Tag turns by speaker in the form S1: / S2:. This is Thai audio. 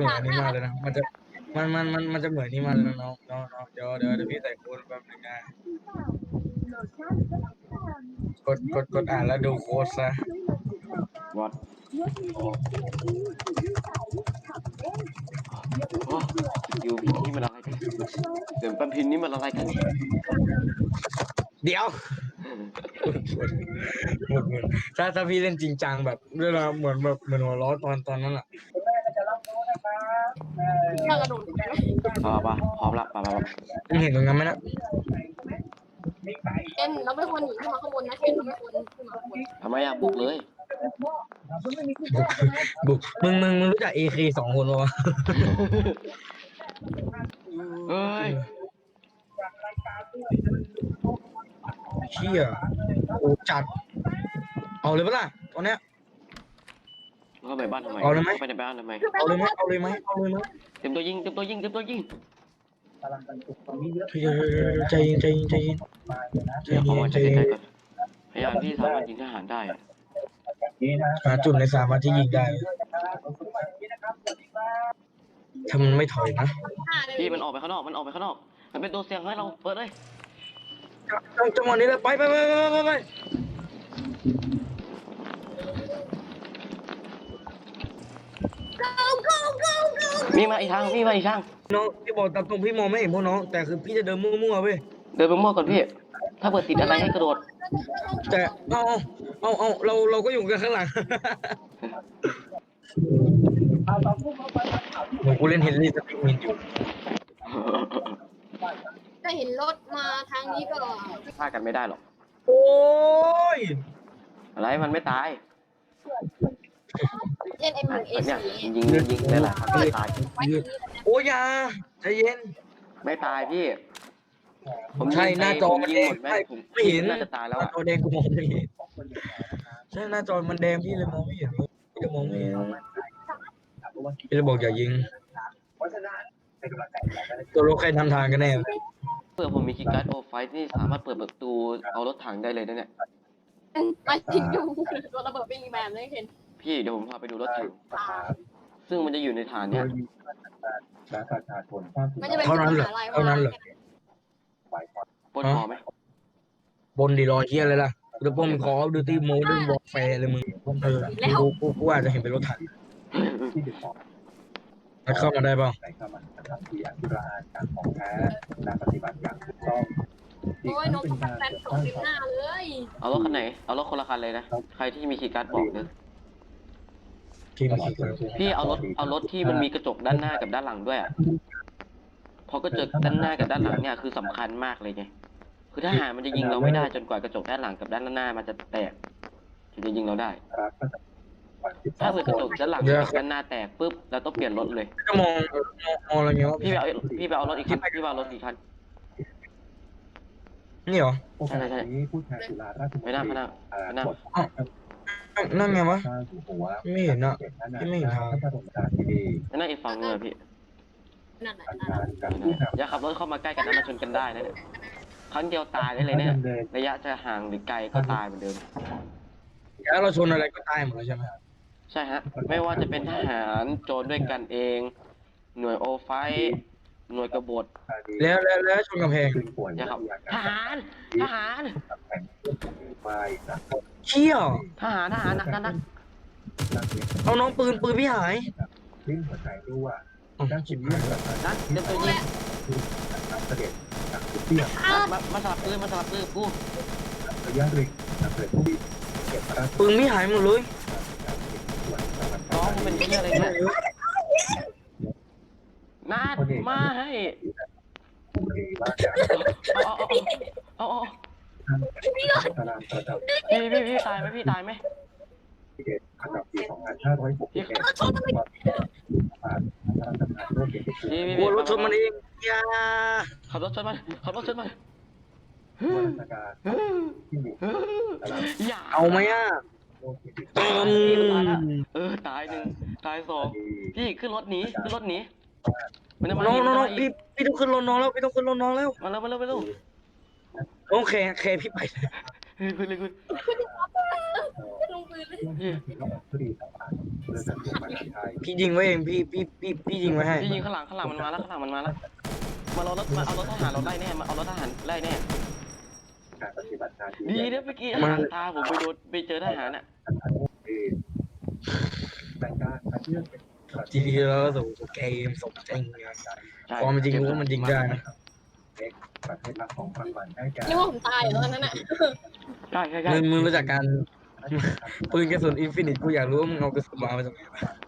S1: อนอันนี้มากเลยนะมันจะเหมือนนี่มากเลยนะน้องเดี๋ยวพี่ใส่โค้ดแป๊บนึงนะกดอ่านแล้วดูโค้ดซะ
S2: วัดโอ้สกิลพินนี่มันอะไรกันเดี๋ยวปันพินนี่มันอะไรกัน
S1: เดี๋ยวถ้าพี่เล่นจริงจังแบบเวลาเหมือนแบบเหมือนหัวล้อตอนนั้นอ่ะ
S3: ถ้ากระโดดไป
S2: ป่ะพร้อมละป่ะ
S1: มึงเห็นตรงนั้นไหมนะ
S3: เคนเราไม่ควรหนีขึ้นมาข้างบนนะเคนเราไม่ควรขึ้นมาข้างบน
S2: ทำไมอ่ะบุกเลย
S1: บุกมึงรู้จัก AK 2 คนปะวะ
S2: เฮ้ย
S1: เชี่ยโอ้จัดเอาเลยปะล่ะตอนเนี้ย
S2: เข้าไปบ้านทำไม
S1: เอาเลยไหม
S2: เข้าไปในบ้านทำไม
S1: เอาเลยไหม
S2: เต็มตัวยิง
S1: ใจเย็น
S2: เดี๋ยวขอมาใกล้ๆก่อนพยายามที่สามารถยิงทหารได้อะ
S1: หาจุดในสามารถที่ยิงได้ถ้ามันไม่ถอยนะ
S2: พี่มันออกไปข้างนอกมันเป็นตัวเสี่ยงให้เราเปิดเลย
S1: จังหวะนี้เลยไป
S2: มีมาอีกทาง
S1: น้องพี่บอกตามตรงพี่มองไม่เห็นพวกน้องแต่คือพี่จะเดินมั่วๆเว้ย
S2: เดินไปมั่วก่อนพี่ถ้าเปิดติดอะไรให้กระโดด
S1: แต่เอาเราก็อยู่กันข้างหลังกูเล่นเฮนรี่สปิกมินอยู่
S3: ถ้าเห็นรถมาทางนี้ก็
S2: ฆ่ากันไม่ได้หรอก
S1: โอ้ย
S2: อะไรมันไม่ตาย
S3: เล่น M1
S2: เนี่ย
S3: A4
S2: ยิงได้หลายครั้งไม่ตาย
S3: ไว้ที่นี่
S1: โอ้ยาใจเย็น
S2: ไม่ตายพี่ผม
S1: ใช่หน้าจอ
S2: ผม
S1: มัน
S2: ยิ
S1: แด
S2: ง
S1: ง
S2: หมดไหมผม
S1: ไม่เห็น
S2: น่าจะตายแล้ว
S1: หน้า
S2: อ่ะ
S1: จอแดงกูมองไม่เห็นใช่หน้าจอมันแดงพี่เลยมองไม่เห็นพี่จะมองไม่เห็นพี่จะบอกอย่ายิงตัวรถใครทำทางกันแน่
S2: เพื่อผมมีคีย์การ์ดโอไฟนี่สามารถเปิดประตูเอารถถังได้เลยนะเนี่ย
S3: ไปทิ้งอยู่ตัวระเบิดไม่มีแมนเลยเคน
S2: พี่เดี๋ยวผมพาไปดูรถถังซึ่งมันจะอยู่ในฐานเนี่ย
S3: มันจะเป็น
S1: เท่านั้นเหรอ
S3: อะไร
S1: เท่านั้นเหรอ
S2: ปล้นพอไหม
S1: บนดีรอเฮียเลยล่ะเดี๋ยวพวกมึงขอดูตีโมดูวอลแฟร์เลยมึงกูอาจจะเห็นเป็นรถถังมันเข้ามาได้เปล่า
S3: โอ้ยนกแฟนส่งเต็มหน้าเลย
S2: เอารถคันไหนเอารถคนละคันเลยนะใครที่มีคีย์การ์ดบอกเลย
S1: ทีม
S2: พี่เอารถที่มันมีกระจกด้านหน้ากับด้านหลังด้วยอ่ะเพราะกระจกด้านหน้ากับด้านหลังเนี่ยคือสำคัญมากเลยไงคือทหารมันจะยิงเราไม่ได้จนกว่ากระจกด้านหลังกับด้านหน้ามันจะแตกถึงจะยิงเราได้ ถ้าเกิดกระจกด้านหลังกับด้านหน้าแตกปุ๊บเราต้องเปลี่ยนรถเลย
S1: จะมองอะไรเงี้ย
S2: พี่ไปเอารถอีกคันพี่ไปเอารถอีกคัน
S1: นี่เหรอ
S2: ใช่ไม่น่า
S1: นั่นไงวะไม่เห็นอ่ะพี่ไม่เห็นทาง
S2: ไม่น่าอีกฝั่งนึงอะพี่
S3: นั่นน่ะ
S2: อย่าขับรถเข้ามาใกล้กันนะมาชนกันได้นะเนี่ยครั้งเดียวตายได้เลยเนี่ยระยะจะห่างหรือไกลก็ตายเหมือนเดิม
S1: แล้วเราชนอะไรก็ตายหมดเลยใช่ไหม
S2: ใช่ฮะไม่ว่าจะเป็นทหารโจรด้วยกันเอง หน่วยโอไฟหน่วยกบฏ
S1: แล้วชนกำแพง
S2: อย่าครับทหาร
S1: เชี่ย
S2: ทหารนัก
S1: เอาน้องปืนพี่หาย
S2: นักเตรียมตัวยิงมาสลับปืนกู
S1: ปืนพี่หายหมดเลย
S2: น้องมันเป็นเหี้ยอะไรเนี่ยนัดมาให้เอาพี่ตายไหมพี่ตายไหม
S1: โอ้รถชนมันเองอย่า
S2: ขับรถชนมันอย่า
S1: เอาไหมอ่ะ
S2: ตายหนึ่งตายสองพี่ขึ้นรถหนีมันจะมา
S1: น้องพี่ต้องขึ้นรถน้องแล้วพี่ต้องขึ้นรถน้องแล้ว
S2: มาเร็ว
S1: โอเคพี่ไป
S2: ขึ้นเลย
S3: ลงปืนเลย
S1: พี่ยิงไว้เองพี่ยิงไว้ให้
S2: พี่ยิงข้างหลังมันมาแล้วมันเอารถทหารเราไล่แน่มาเอารถทหารไล่แน่ดีนะเมื่อกี้หางตาผมไปเจอทหารอ่ะ
S1: ทีนี้เราก็ส่งเกมส่งจริง
S2: ใช่
S1: พอมันจริงรู้ว่ามันยิงได้นะ
S3: เรียกว่าผมตายอยู่ตอนนั้นน่ะ
S2: ใช่
S1: มึงรู้จักการปืนกระสุนอินฟินิตกูอยากรู้ว่ามึงเอากระสุนมาจากไหน